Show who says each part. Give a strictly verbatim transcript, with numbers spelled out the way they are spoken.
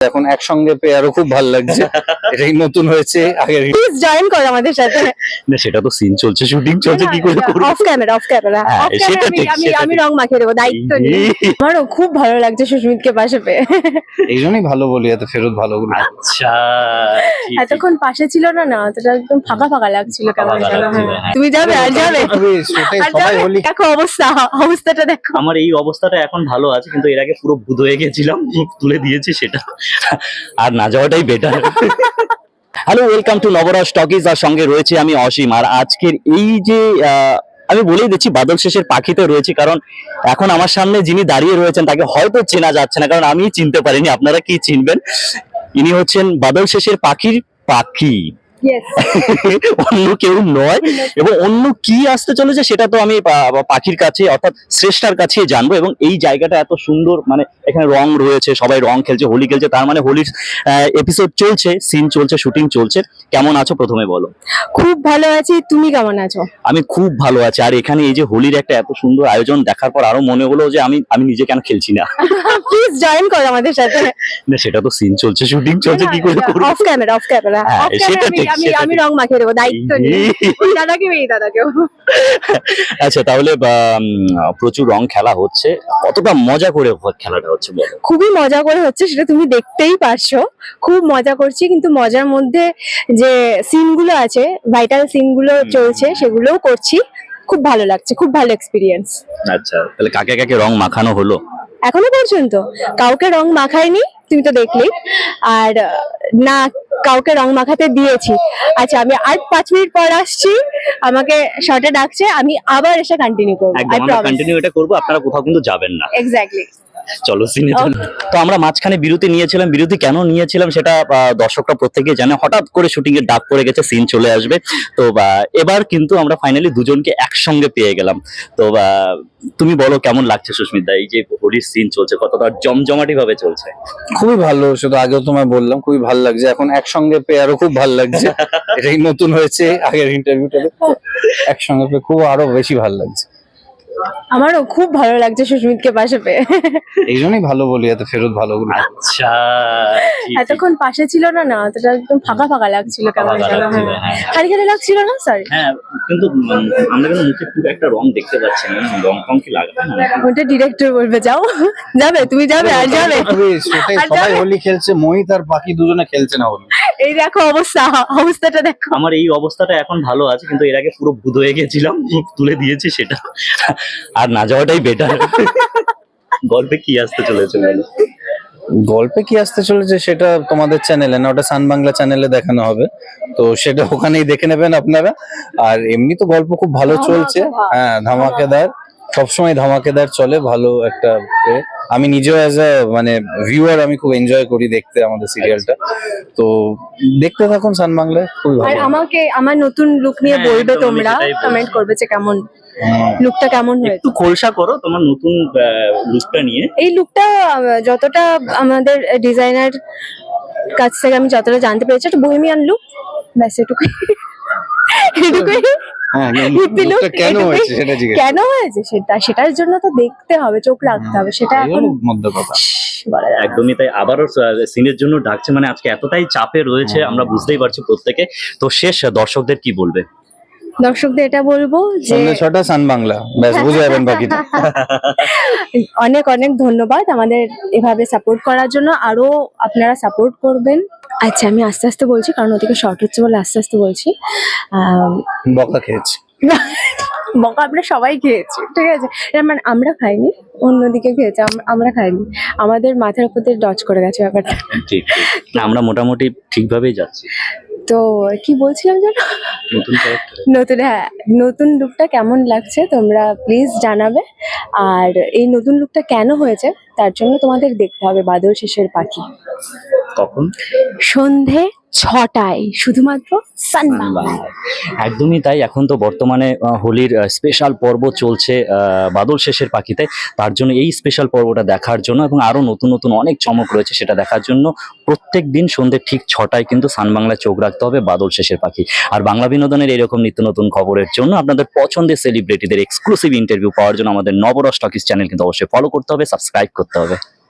Speaker 1: এখন একসঙ্গে পেয়ে আরো খুব ভালো লাগছে। এটাই নতুন হয়েছে। আগে
Speaker 2: প্লিজ জয়েন করো আমাদের সাথে।
Speaker 3: না সেটা তো সিন চলছে, শুটিং চলছে, কি করে করব?
Speaker 2: অফ ক্যামেরা, অফ ক্যামেরা,
Speaker 3: হ্যাঁ,
Speaker 2: অফ
Speaker 3: সেটা
Speaker 2: ক্যামেরা
Speaker 3: ঠিক,
Speaker 2: আমি
Speaker 3: সেটা
Speaker 2: আমি
Speaker 3: ঠিক।
Speaker 2: রং মাখিয়ে দেবো, দায়িত্ব নিয়ে। আমারও খুব ভালো লাগছে সুস্মিতকে পাশে পেয়ে।
Speaker 1: এই জন্যই ভালো বলি, এত ফেরত ভালো বলি।
Speaker 3: আচ্ছা, ঠিক, ঠিক।
Speaker 2: এতক্ষণ পাশে ছিল না না, তোটা একদম ফাঁকা ফাঁকা লাগছিল কেমন
Speaker 3: ফাঁকা
Speaker 2: যেন।
Speaker 3: লাগছিল,
Speaker 2: হ্যাঁ।
Speaker 3: হ্যাঁ।
Speaker 2: তুমি যাবে আর যাবে
Speaker 1: তবে সেটাই
Speaker 2: আর
Speaker 1: সবাই
Speaker 2: যাবে?
Speaker 1: হোলি
Speaker 2: দেখো অবস্থা, অবস্থাটা দেখো।
Speaker 3: আমার এই অবস্থাটা এখন ভালো আছে, কিন্তু এর আগে পুরো ভূত হয়ে গেছিলাম, মুখ তুলে দিয়েছি সেটা। আর না যাওয়াটাই better. Hello, welcome to Nabaras talkies. আর সঙ্গে রয়েছে আমি অসীম। আর আজকের এই যে আহ, আমি বলেই দিচ্ছি বাদল শেষের পাখিতে রয়েছে, কারণ এখন আমার সামনে যিনি দাঁড়িয়ে রয়েছেন তাকে হয়তো চেনা যাচ্ছে না, কারণ আমি চিনতে পারিনি। আপনারা কি চিনবেন? ইনি হচ্ছেন বাদল শেষের পাখির পাখি।
Speaker 2: ইয়েস,
Speaker 3: অন্য কেউ নয়, এবং অন্য কি আসতে চলেছে সেটা তো আমি পা- পাখির কাছে অর্থাৎ শ্রেষ্ঠার কাছে জানবো। এবং এই জায়গাটা এত সুন্দর, মানে এখানে রং রয়েছে, সবাই রং খেলছে, হোলি খেলছে, তার মানে হোলির এপিসোড চলছে, সিন চলছে, শুটিং চলছে। কেমন আছো প্রথমে বলো?
Speaker 2: খুব ভালো আছি, তুমি কেমন আছো?
Speaker 3: আমি খুব ভালো আছি। আর এখানে এই যে হোলির একটা এত সুন্দর আয়োজন দেখার পর আরো মনে হলো যে আমি আমি নিজে কেন খেলছি না।
Speaker 2: প্লিজ জয়েন করো আমাদের সাথে।
Speaker 3: না সেটা তো সিন চলছে, শুটিং চলছে, কি করে করব?
Speaker 2: অফ ক্যামেরা, অফ ক্যামেরা,
Speaker 3: হ্যাঁ,
Speaker 2: অফ
Speaker 3: সেটা
Speaker 2: ক্যামেরা
Speaker 3: ঠিক,
Speaker 2: আমি
Speaker 3: সেটা
Speaker 2: আমি
Speaker 3: ঠিক।
Speaker 2: রং মাখিয়ে দেবো, দায়িত্ব নিয়ে। ওই দাদাকে এই দাদাকেও।
Speaker 3: আচ্ছা, তাহলে বা, উম, প্রচুর রং খেলা হচ্ছে, কতটা মজা করে খেলাটা হচ্ছে বলো?
Speaker 2: খুবই মজা করে হচ্ছে, সেটা তুমি দেখতেই পারছো। খুব মজা করছি, কিন্তু মজার মধ্যে যে সিনগুলো আছে, ভাইটাল সিনগুলো চলছে, সেগুলোও করছি। খুব ভালো লাগছে, খুব ভালো এক্সপিরিয়েন্স।
Speaker 3: আচ্ছা, তাহলে কাকে কাকে রং মাখানো হলো?
Speaker 2: এখনো পর্যন্ত কাউকে রং মাখাইনি, তুমি তো দেখলেই। আর আহ, না কাউকে রং মাখাতে দিয়েছি। আচ্ছা, আমি আর পাঁচ মিনিট পর আসছি, আমাকে শর্টে ডাকছে, আমি আবার এসে কন্টিনিউ করবো।
Speaker 3: একদম আমরা কন্টিনিউ এটা করবো, আপনারা কোথাও কিন্তু যাবেন না।
Speaker 2: এক্স্যাক্টলি।
Speaker 3: চলো সিনে চলো। তো আমরা মাঝখানে বিরতি নিয়েছিলাম, বিরতি কেন নিয়েছিলাম সেটা আহ, দর্শকরা প্রত্যেকেই জানে। হঠাৎ করে শুটিং এর ডাক পড়ে গেছে, সিন চলে আসবে। তো বা, এবার কিন্তু আমরা ফাইনালি দুজনকে একসঙ্গে পেয়ে গেলাম। তো বা, তুমি বলো কেমন লাগছে সুস্মিত দা, এই যে হোলির সিন চলছে, কতটা জমজমাটি ভাবে চলছে?
Speaker 1: খুবই ভালো, শুধু আগেও তোমায় বললাম খুবই ভালো লাগছে। এখন একসঙ্গে পেয়ে আরো খুব ভালো লাগছে। এটাই নতুন হয়েছে। আগের ইন্টারভিউটা একসঙ্গে পেয়ে খুব আরো বেশি ভালো লাগছে।
Speaker 2: আমারও খুব ভালো লাগছে সুস্মিতকে পাশে পেয়ে।
Speaker 1: এই জন্যই ভালো বলি, এত ফেরত ভালো বলি।
Speaker 3: আচ্ছা, ঠিক, ঠিক।
Speaker 2: এতক্ষণ পাশে ছিল না না, তোটা একদম ফাঁকা ফাঁকা লাগছিল কেমন
Speaker 3: ফাঁকা
Speaker 2: যেন।
Speaker 3: লাগছিল,
Speaker 2: হ্যাঁ।
Speaker 3: হ্যাঁ।
Speaker 2: খালি খালি লাগছিল না, সরি।
Speaker 3: হ্যাঁ, কিন্তু উম, আমরা কিন্তু মুখে খুব একটা রং দেখতে পাচ্ছি না, রং টং কি লাগবে না?
Speaker 2: ওটা ডিরেক্টর বলবে, যাও যাবে, তুমি যাবে আর যাবে।
Speaker 1: তবে সেটাই
Speaker 2: আর
Speaker 1: সবাই
Speaker 2: যাবে?
Speaker 1: হোলি খেলছে, মোহিত আর বাকি দুজনে খেলছে না হোলি।
Speaker 2: এই দেখো অবস্থা, অবস্থাটা দেখো।
Speaker 3: আমার এই অবস্থাটা এখন ভালো আছে, কিন্তু এর আগে পুরো ভূত হয়ে গেছিলাম, মুখ তুলে দিয়েছি সেটা। আর না যাওয়াটাই বেটার। গল্পে কি আসতে চলেছে বলো?
Speaker 1: গল্পে কি আসতে চলেছে সেটা তোমাদের চ্যানেলে না, ওটা সান বাংলা চ্যানেলে দেখানো হবে। তো সেটা ওখানেই দেখে নেবেন আপনারা। আর এমনি তো গল্প খুব ভালো চলছে। হ্যাঁ, ধামাকেদার, সবসময় ধামাকেদার চলে, ভালো একটা এ। আমি নিজেও অ্যাজ আ মানে ভিউয়ার আমি খুব এনজয় করি দেখতে আমাদের সিরিয়ালটা। তো দেখতে থাকুন সান বাংলায়, খুবই
Speaker 2: আর
Speaker 1: ভালো।
Speaker 2: আমাকে আমার নতুন লুক নিয়ে
Speaker 3: হ্যাঁ,
Speaker 2: বলবে,
Speaker 3: একদম, আমি
Speaker 2: তোমরা
Speaker 3: সেটাই বলছি।
Speaker 2: কমেন্ট করবে যে কেমন
Speaker 1: হুম।
Speaker 2: লুকটা কেমন হয়েছে।
Speaker 3: একটু খোলসা করো তোমার নতুন লুকটা নিয়ে।
Speaker 2: এই লুকটা যতটা আমাদের ডিজাইনার কাছ থেকে আমি যতটা জানতে পেরেছি, একটা বহিমিয়ান লুক, ব্যাস এটুকুই। এটুকুই।
Speaker 1: হ্যাঁ,
Speaker 2: হিপ্পি look,
Speaker 1: লোকটা কেন
Speaker 2: এটুকুই।
Speaker 1: হয়েছে সেটা জিজ্ঞেস
Speaker 2: কেন হয়েছে সেটা, সেটার জন্য তো দেখতে হবে, চোখ রাখতে হবে, সেটা এখন
Speaker 1: মধ্য কথা।
Speaker 2: বলা যাবে না।
Speaker 3: একদমই তাই, আবারও সিনের জন্য ডাকছে, মানে আজকে এতটাই চাপে রয়েছে আমরা বুঝতেই পারছি প্রত্যেকে। তো শেষ দর্শকদের কি বলবে?
Speaker 2: দর্শকদের এটা বলবো যে
Speaker 1: সন্ধ্যে ছটা সান বাংলা, ব্যাস বুঝে যাবেন বাকিটা।
Speaker 2: অনেক অনেক ধন্যবাদ আমাদের এভাবে সাপোর্ট করার জন্য, আরো আপনারা সাপোর্ট করবেন। আচ্ছা, আমি আস্তে আস্তে বলছি, কারণ ওদিকে শর্ট হচ্ছে বলে আস্তে আস্তে বলছি। আহ
Speaker 1: বকা খেয়েছি।
Speaker 2: বকা আমরা সবাই খেয়েছি, ঠিক আছে? এর মানে আমরা খাইনি, অন্যদিকে খেয়েছে, আম- আমরা খাইনি। আমাদের মাথার উপর দিয়ে ডচ করে গেছে ব্যাপারটা।
Speaker 3: ঠিক, ঠিক। না, আমরা মোটামুটি ঠিকভাবেই যাচ্ছি।
Speaker 2: তো কি বলছিলাম জানো,
Speaker 3: নতুন ক্যারেক্টার
Speaker 2: নতুন, হ্যাঁ, নতুন লুকটা কেমন লাগছে তোমরা প্লিজ জানাবে। আর এই নতুন লুকটা কেন হয়েছে তার জন্য তোমাদের দেখতে হবে বাদল শেষের পাখি,
Speaker 3: কখন?
Speaker 2: সন্ধে ছটায়, শুধুমাত্র সান বাংলায়।
Speaker 3: একদমই তাই। এখন তো বর্তমানে আহ, হোলির স্পেশাল পর্ব চলছে আহ, বাদল শেষের পাখিতে। তার জন্য এই স্পেশাল পর্বটা দেখার জন্য এবং আরো নতুন নতুন অনেক চমক রয়েছে সেটা দেখার জন্য প্রত্যেক দিন সন্ধ্যে ঠিক ছটায় কিন্তু সান বাংলায় চোখ রাখতে হবে বাদল শেষের পাখি। আর বাংলা বিনোদনের এরকম নিত্য নতুন খবরের জন্য, আপনাদের পছন্দের সেলিব্রিটিদের এক্সক্লুসিভ ইন্টারভিউ পাওয়ার জন্য আমাদের নবরস টকিজ চ্যানেল কিন্তু অবশ্যই ফলো করতে হবে, সাবস্ক্রাইব করতে হবে।